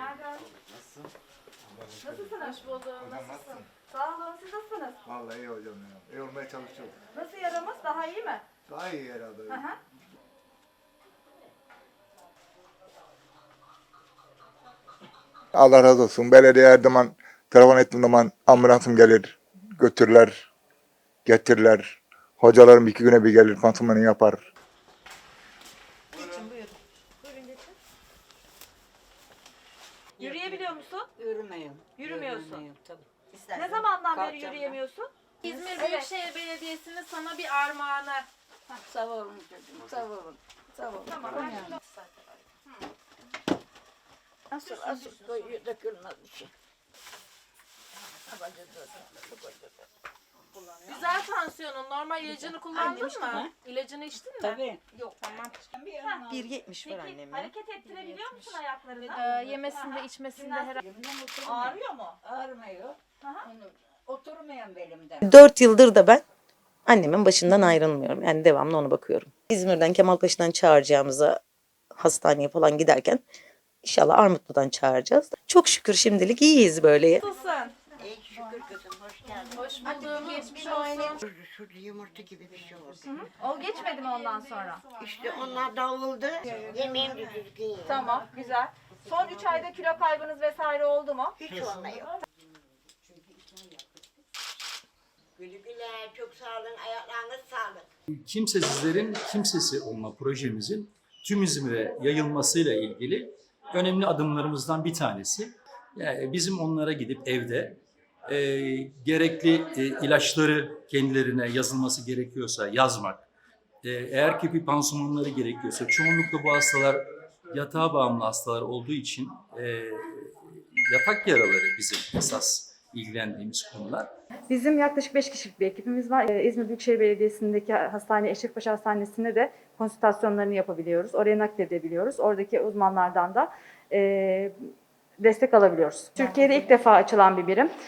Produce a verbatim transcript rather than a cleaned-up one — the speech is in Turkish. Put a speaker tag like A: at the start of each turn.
A: Günaydın.
B: Nasılsın?
A: Nasılsınız? Hoş buldum.
B: Hocam nasılsın?
A: Sağ olun. Siz nasılsınız?
B: Vallahi iyi hocam ya. İyi olmaya çalışıyorum.
A: Nasıl yaramız? Daha iyi mi?
B: Daha iyi herhalde.
A: Hı hı.
B: Allah razı olsun. Belediye her zaman telefon ettiğim zaman ambulansım gelir. Götürürler. Getirirler. Hocalarım iki güne bir gelir. Pansumanı yapar.
C: Geçin buyurun.
A: Buyurun geçin. Yürüyebiliyor musun?
C: Yürümeyim.
A: Yürümüyorsun.
C: Yürümeyim, tabii.
A: Ne
C: İstersen
A: zamandan beri
C: kalkacağım
A: yürüyemiyorsun?
D: İzmir
A: Evet.
D: Büyükşehir Belediyesi'nin sana bir armağanı.
C: ben. Sağ olun çocuğum. Sağ olun. Sağ olun.
A: Tamam, ben
C: Yani. Asıl asıl koyuyor dökülmez bir şey.
D: Güzel tansiyonun. Normal ilacını kullandın
C: içtim,
D: mı?
C: ha.
D: İlacını içtin mi?
C: Tabii.
D: Yok. Tamam.
C: bir yetmiş var
A: Peki
C: annem.
A: hareket ettirebiliyor musun ayaklarını?
D: Ee, yemesinde içmesinde herhalde.
A: Ağrıyor mu?
C: Ağrımıyor.
A: Hı hı.
C: Onu oturmayan belimden.
E: Dört yıldır da ben annemin başından ayrılmıyorum. Yani devamlı ona bakıyorum. İzmir'den Kemalpaşa'dan çağıracağımıza hastaneye falan giderken inşallah Armutlu'dan çağıracağız. Çok şükür şimdilik iyiyiz böyle.
D: Nasılsın?
C: İyi şükür kızım. Hoş geldin.
D: Hoş buldum. Geçmiş olsun.
F: Şurada yumurta gibi bir şey oldu.
A: O geçmedi mi ondan sonra?
F: İşte onlar davuldu. Yemeğim de düzgün yedim.
A: Tamam, güzel. Son üç ayda kilo kaybınız vesaire oldu mu?
F: Hiç olmuyor. Güle güle, çok sağ olun, ayaklarınız sağlık.
G: Kimsesizlerin kimsesi olma projemizin tüm İzmir'e yayılmasıyla ilgili önemli adımlarımızdan bir tanesi. Yani bizim onlara gidip evde e, gerekli e, ilaçları kendilerine yazılması gerekiyorsa yazmak, e, eğer ki bir pansumanları gerekiyorsa, çoğunlukla bu hastalar yatağa bağımlı hastalar olduğu için e, yatak yaraları bizim esas ilgilendiğimiz konular.
H: Bizim yaklaşık beş kişilik bir ekibimiz var. Ee, İzmir Büyükşehir Belediyesi'ndeki hastane Eşrefpaşa Hastanesi'nde de konsültasyonlarını yapabiliyoruz. Oraya nakledebiliyoruz. Oradaki uzmanlardan da e, destek alabiliyoruz. Türkiye'de ilk defa açılan bir birim.